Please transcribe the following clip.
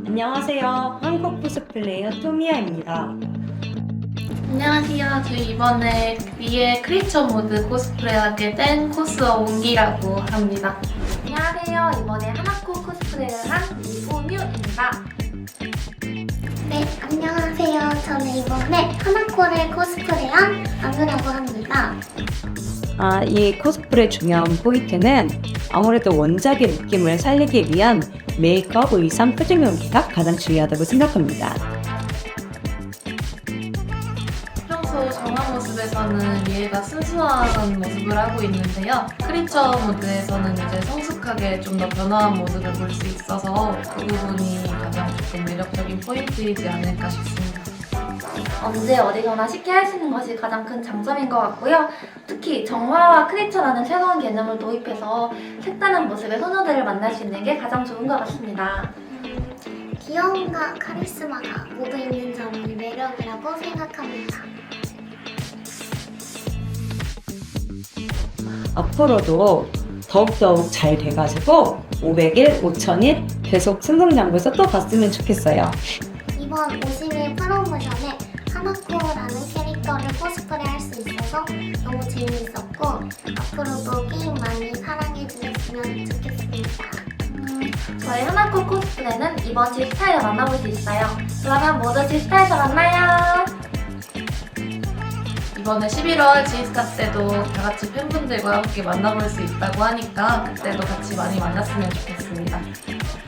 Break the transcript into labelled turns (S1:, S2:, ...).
S1: 안녕하세요. 한국 코스플레이어 토미야입니다.
S2: 안녕하세요. 저희 이번에 위에 크리처 모드 코스프레하게 된 코스어 옹기라고 합니다.
S3: 안녕하세요. 이번에 하나코 코스프레를 한 이소뮤입니다.
S4: 네, 안녕하세요. 저는 이번에 하나코를 코스프레한 안우라고 합니다.
S1: 이 코스프레 중요한 포인트는 아무래도 원작의 느낌을 살리기 위한 메이크업, 의상, 표정 연기가 가장 중요하다고 생각합니다.
S2: 평소 정화 모습에서는 얘가 순수한 모습을 하고 있는데요. 크리처 모드에서는 이제 성숙하게 좀 더 변화한 모습을 볼 수 있어서 그 부분이 가장 조금 매력적인 포인트이지 않을까 싶습니다.
S3: 언제 어디서나 쉽게 할 수 있는 것이 가장 큰 장점인 것 같고요. 특히 정화와 크리처라는 새로운 개념을 도입해서 색다른 모습의 소녀들을 만날 수 있는 게 가장 좋은 것 같습니다.
S4: 귀여움과 카리스마가 모두 있는 점이 매력이라고 생각합니다.
S1: 앞으로도 더욱더욱 잘 돼가지고 500일, 5000일 계속 승승장구해서 또 봤으면 좋겠어요.
S4: 이번 50일 프로모션에 하나코라는 캐릭터를 코스프레 할 수 있어서 너무 재미있었고 앞으로도 게임 많이 사랑해주셨으면 좋겠습니다.
S3: 저희 하나코 코스프레는 이번 G스타에서 만나볼 수 있어요. 그러면 모두 G스타에서 만나요.
S2: 이번에 11월 지스타 때도 다 같이 팬분들과 함께 만나볼 수 있다고 하니까 그때도 같이 많이 만났으면 좋겠습니다.